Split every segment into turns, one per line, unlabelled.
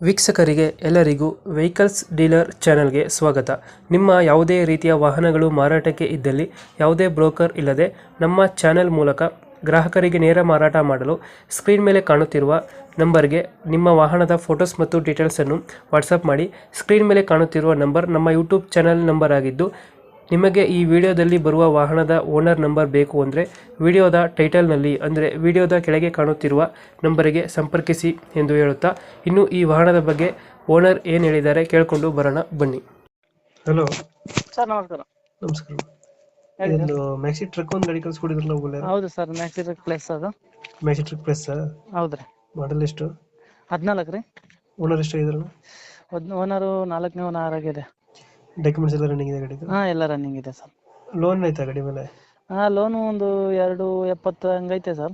ವೀಕ್ಷಕರಿಗೆ ಎಲ್ಲರಿಗೂ vehicles dealer ಚಾನೆಲ್ಗೆ ಸ್ವಾಗತ. ನಿಮ್ಮ ಯಾವುದೇ ರೀತಿಯ ವಾಹನಗಳು ಮಾರಾಟಕ್ಕೆ ಇದ್ದಲ್ಲಿ ಯಾವುದೇ ಬ್ರೋಕರ್ ಇಲ್ಲದೆ ನಮ್ಮ ಚಾನೆಲ್ ಮೂಲಕ ಗ್ರಾಹಕರಿಗೆ ನೇರ ಮಾರಾಟ ಮಾಡಲು ಸ್ಕ್ರೀನ್ ಮೇಲೆ ಕಾಣುತ್ತಿರುವ ನಂಬರ್ಗೆ ನಿಮ್ಮ ವಾಹನದ ಫೋಟೋಸ್ ಮತ್ತು ಡೀಟೇಲ್ಸನ್ನು ವಾಟ್ಸಪ್ ಮಾಡಿ. ಸ್ಕ್ರೀನ್ ಮೇಲೆ ಕಾಣುತ್ತಿರುವ ನಂಬರ್ ನಮ್ಮ ಯೂಟ್ಯೂಬ್ ಚಾನೆಲ್ ನಂಬರ್ ಆಗಿದ್ದು, ನಿಮಗೆ ಈ ವಿಡಿಯೋದಲ್ಲಿ ಬರುವ ವಾಹನದ ಓನರ್ ನಂಬರ್ ಬೇಕು ಅಂದರೆ ವಿಡಿಯೋದ ಟೈಟಲ್ನಲ್ಲಿ ಅಂದರೆ ವಿಡಿಯೋದ ಕೆಳಗೆ ಕಾಣುತ್ತಿರುವ ನಂಬರಿಗೆ ಸಂಪರ್ಕಿಸಿ ಎಂದು ಹೇಳುತ್ತಾ, ಇನ್ನು ಈ ವಾಹನದ ಬಗ್ಗೆ ಓನರ್ ಏನು ಹೇಳಿದ್ದಾರೆ ಕೇಳಿಕೊಂಡು ಬರೋಣ ಬನ್ನಿ. ಹಲೋ
ಸರ್, ನಮಸ್ಕಾರ.
ನಮಸ್ಕಾರ.
ಹೇಳಿ ಸರ್.
ಇದು ಮ್ಯಾಕ್ಸಿ ಟ್ರಕ್ ಒಂದು ಗಾಡಿ ಕಳಿಸ್ಕೊಡಿದ್ರಲ್ಲ,
ಹೌದು ಸರ್, ಮ್ಯಾಕ್ಸಿ ಪ್ಲೇಸ್ ಅದು.
ಮ್ಯಾಕ್ಸಿ ಟ್ರಕ್ ಪ್ಲಸ್
ಹೌದ್ರಿ.
ಮಾಡಲ್ ಎಷ್ಟು?
14 ರೀ.
ಓನರ್ ಎಷ್ಟು ಆಗಿದ್ರಲ್ಲ?
ಓನರು 4ನೇ ಓನರ್ ಆಗಿದೆ.
ಡಾಕ್ಯುಮೆಂಟ್ಸ್ ಎಲ್ಲ ರನ್ನಿಂಗ್ ಇದೆ ಗಾಡಿದು?
ಎಲ್ಲ ರನ್ನಿಂಗ್ ಇದೆ ಸರ್.
ಲೋನ್ ಆಯ್ತಾ ಗಾಡಿ ಮೇಲೆ?
ಲೋನು ಒಂದು 270 ಹಂಗೈತೆ ಸರ್.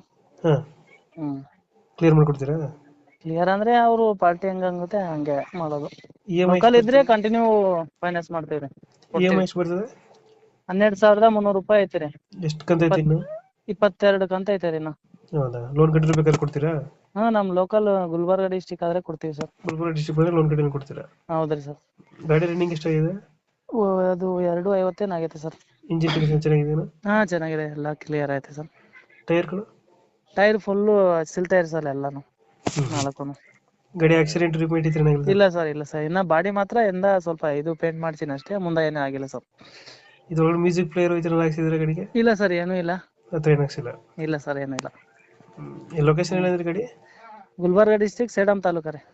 ಹಾಂ, ಕ್ಲಿಯರ್ ಮಾಡ್ಕೊಡ್ತೀರಾ?
ಕ್ಲಿಯರ್ ಅಂದ್ರೆ ಅವರು ಪಾರ್ಟಿ ಹಂಗುತ್ತೆ ಹಂಗೆ ಮಾಡೋದು.
EMI
ಲೋಕಲ್ ಇದ್ರೆ ಕಂಟಿನ್ಯೂ ಫೈನಾನ್ಸ್ ಮಾಡ್ತೀವಿ.
EMI ಎಷ್ಟು ಬರ್ತದೆ?
12,300 ರೂಪಾಯಿ ಐತಿ ರೀ.
ಎಷ್ಟು ಕಂತ ಐತಿ ಇನ್ನು?
22 ಕಂತ ಐತೆ ರೀ ಇನ್ನು.
ಹೌದಾ? ಲೋನ್ ಕಟ್ಟಿರ್ಬೇಕಾದ್ರೆ ಕೊಡ್ತೀರಾ?
ನಮ್ ಲೋಕಲ್ ಗುಲ್ಬರ್ಗ ಡಿಸ್ಟಿಕ್ ಆದ್ರೆ ಕೊಡ್ತೀವಿ ಸರ್.
ಗುಲ್ಬರ್ಗ ಡಿಸ್ಟ್ರಿಕ್ಟ್ ಬಂದ್ರೆ ಲೋನ್ ಕಟ್ಟಿ ಕೊಡ್ತೀರಾ?
ಹೌದ್ರಿ ಸರ್.
ಗಾಡಿ ರನ್ನಿಂಗ್ ಎಷ್ಟಾಗಿದೆ?
ಅದು 250 ಆಗೈತೆ ಸರ್.
ಇಂಜಿನ್ ಕಂಡೀಷನ್ ಚೆನ್ನಾಗಿದೆಯಾ?
ಚೆನ್ನಾಗಿದೆ, ಎಲ್ಲ ಕ್ಲಿಯರ್ ಐತೆ ಸರ್.
ಟೈರ್ಗಳು?
ಟೈರ್ ಫುಲ್ಲು ಸಿಲ್ ಟೈರ್ ಸರ್ ಎಲ್ಲಾನು, 4.
ಗಾಡಿ ಆಕ್ಸಿಡೆಂಟ್ ರಿಪೇಟ್ ಇತ್ತು?
ಇಲ್ಲ ಸರ್, ಇಲ್ಲ ಸರ್. ಇನ್ನ ಬಾಡಿ ಮಾತ್ರ ಸ್ವಲ್ಪ ಇದು ಪೇಂಟ್ ಮಾಡ್ತೀನಿ ಅಷ್ಟೇ, ಮುಂದೆ ಏನೂ ಆಗಿಲ್ಲ ಸರ್.
ಇದ್ರೊಳಗೆ ಮ್ಯೂಸಿಕ್ ಪ್ಲೇಯರ್ ಈ ಥರ ಹಾಕ್ಸಿದ್ರೆ ಗಾಡಿಗೆ?
ಇಲ್ಲ ಸರ್, ಏನೂ ಇಲ್ಲ.
ಹತ್ರ ಏನು ಹಾಕ್ಸಿಲ್ಲ?
ಇಲ್ಲ ಸರ್, ಏನೂ ಇಲ್ಲ.
ಲೊಕೇಶನ್ ಏನಂದ್ರೆ ಗಾಡಿ?
ಗುಲ್ಬರ್ಗ ಡಿಸ್ಟಿಕ್ ಸೇಡಂ ತಾಲೂಕು ರೀ.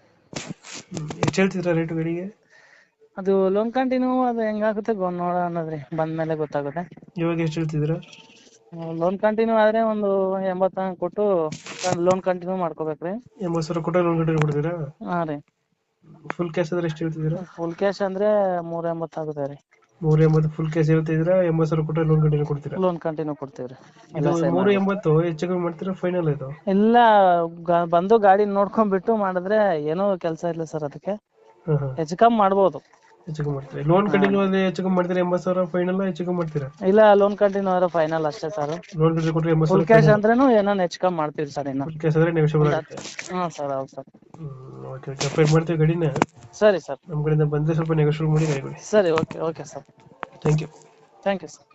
ಎಷ್ಟು ಹೇಳ್ತಿದ್ರ ರೇಟು ಗಾಡಿಗೆ?
ಅದು ಲೋನ್ ಕಂಟಿನ್ಯೂ ಅದು ಹೆಂಗಾಗುತ್ತೆ ನೋಡೋಣ ಅನ್ನೋದ್ರಿ, ಬಂದ್ಮೇಲೆ ಗೊತ್ತಾಗುತ್ತೆ.
ಇವಾಗ ಎಷ್ಟು ಹೇಳ್ತಿದ್ರ?
ಲೋನ್ ಕಂಟಿನ್ಯೂ ಆದ್ರೆ ಒಂದು 80 ಕೊಟ್ಟು ಲೋನ್ ಕಂಟಿನ್ಯೂ ಮಾಡ್ಕೋಬೇಕ್ರಿ.
80,000 ಕೊಟ್ಟರೆ ಲೋನ್ ಕಟ್ಟಿ ಕೊಡ್ತೀರಾ?
ಹಾ ರೀ.
ಫುಲ್ ಕ್ಯಾಶ್ ಆದ್ರೆ ಎಷ್ಟು ಹೇಳ್ತಿದ್ದೀರಾ?
ಫುಲ್ ಕ್ಯಾಶ್ ಅಂದ್ರೆ 380 ಆಗುತ್ತೆ ರೀ.
380 ಫುಲ್ ಕ್ಯಾಶ್ ಹೇಳ್ತಿದ್ದೀರಾ? 80,000 ಕೊಟ್ಟರೆ ಲೋನ್ ಕಂಟಿನ್ಯೂ ಕೊಡ್ತೀರಾ?
ಲೋನ್ ಕಂಟಿನ್ಯೂ ಕೊಡ್ತೀವಿ ರೀ.
380 ಹೆಚ್ಚು ಕಮ್ಮಿ ಮಾಡ್ತೀರಾ ಫೈನಲ್ ಇದು?
ಇಲ್ಲ, ಬಂದು ಗಾಡಿ ನೋಡ್ಕೊಂಡ್ಬಿಟ್ಟು ಮಾಡಿದ್ರೆ ಏನೋ ಕೆಲಸ ಇಲ್ಲ ಸರ್, ಅದಕ್ಕೆ ಹೆಚ್ಚು ಕಮ್ಮಿ ಮಾಡ್ಬೋದು.
ಹೆಚ್ಚು ಕಮ್ಮಿ ಮಾಡ್ತೀರಾ? ಲೋನ್ ಕಂಟಿನ್ಯೂ ಆದ್ರೆ ಹೆಚ್ಚು ಕಮ್ಮಿ ಮಾಡ್ತೀರಾ? 80,000 ಫೈನಲ್ ಹೆಚ್ಚು ಕಮ್ಮಿ ಮಾಡ್ತೀರಾ?
ಇಲ್ಲ, ಲೋನ್ ಕಂಟಿನ್ಯೂ ಆದ್ರೆ ಫೈನಲ್ ಅಷ್ಟೇ ಸರ್.
ಲೋನ್ ಕಂಟಿನ್ಯೂ ಕೊಟ್ಟರೆ 80,000
ಫುಲ್ ಕ್ಯಾಶ್ ಅಂದ್ರೇನು ಏನೋ ಹೆಚ್ಚು ಕಮ್ಮಿ ಮಾಡ್ತೀವಿ ಸರ್. ಇನ್ನು
ಫುಲ್ ಕ್ಯಾಶ್ ಆದ್ರೆ ನೆಗೋಷಿಯಬಲ್ ಆಗುತ್ತೆ?
ಹಾ ಸರ್, ಹೌದು ಸರ್.
ಓಕೆ ಓಕೆ, ಅಪ್ಡೇಟ್ ಮಾಡ್ತೀವಿ ಗಾಡಿನ.
ಸರಿ ಸರ್.
ನಮ್ಮ ಕಡೆಯಿಂದ ಬಂದರೆ ಸ್ವಲ್ಪ ನೆಗೋಷಿಯಬಲ್ ಮಾಡಿ ಗಾಡಿ ಕೊಡಿ.
ಸರಿ, okay sir.
Thank you.
Thank you sir.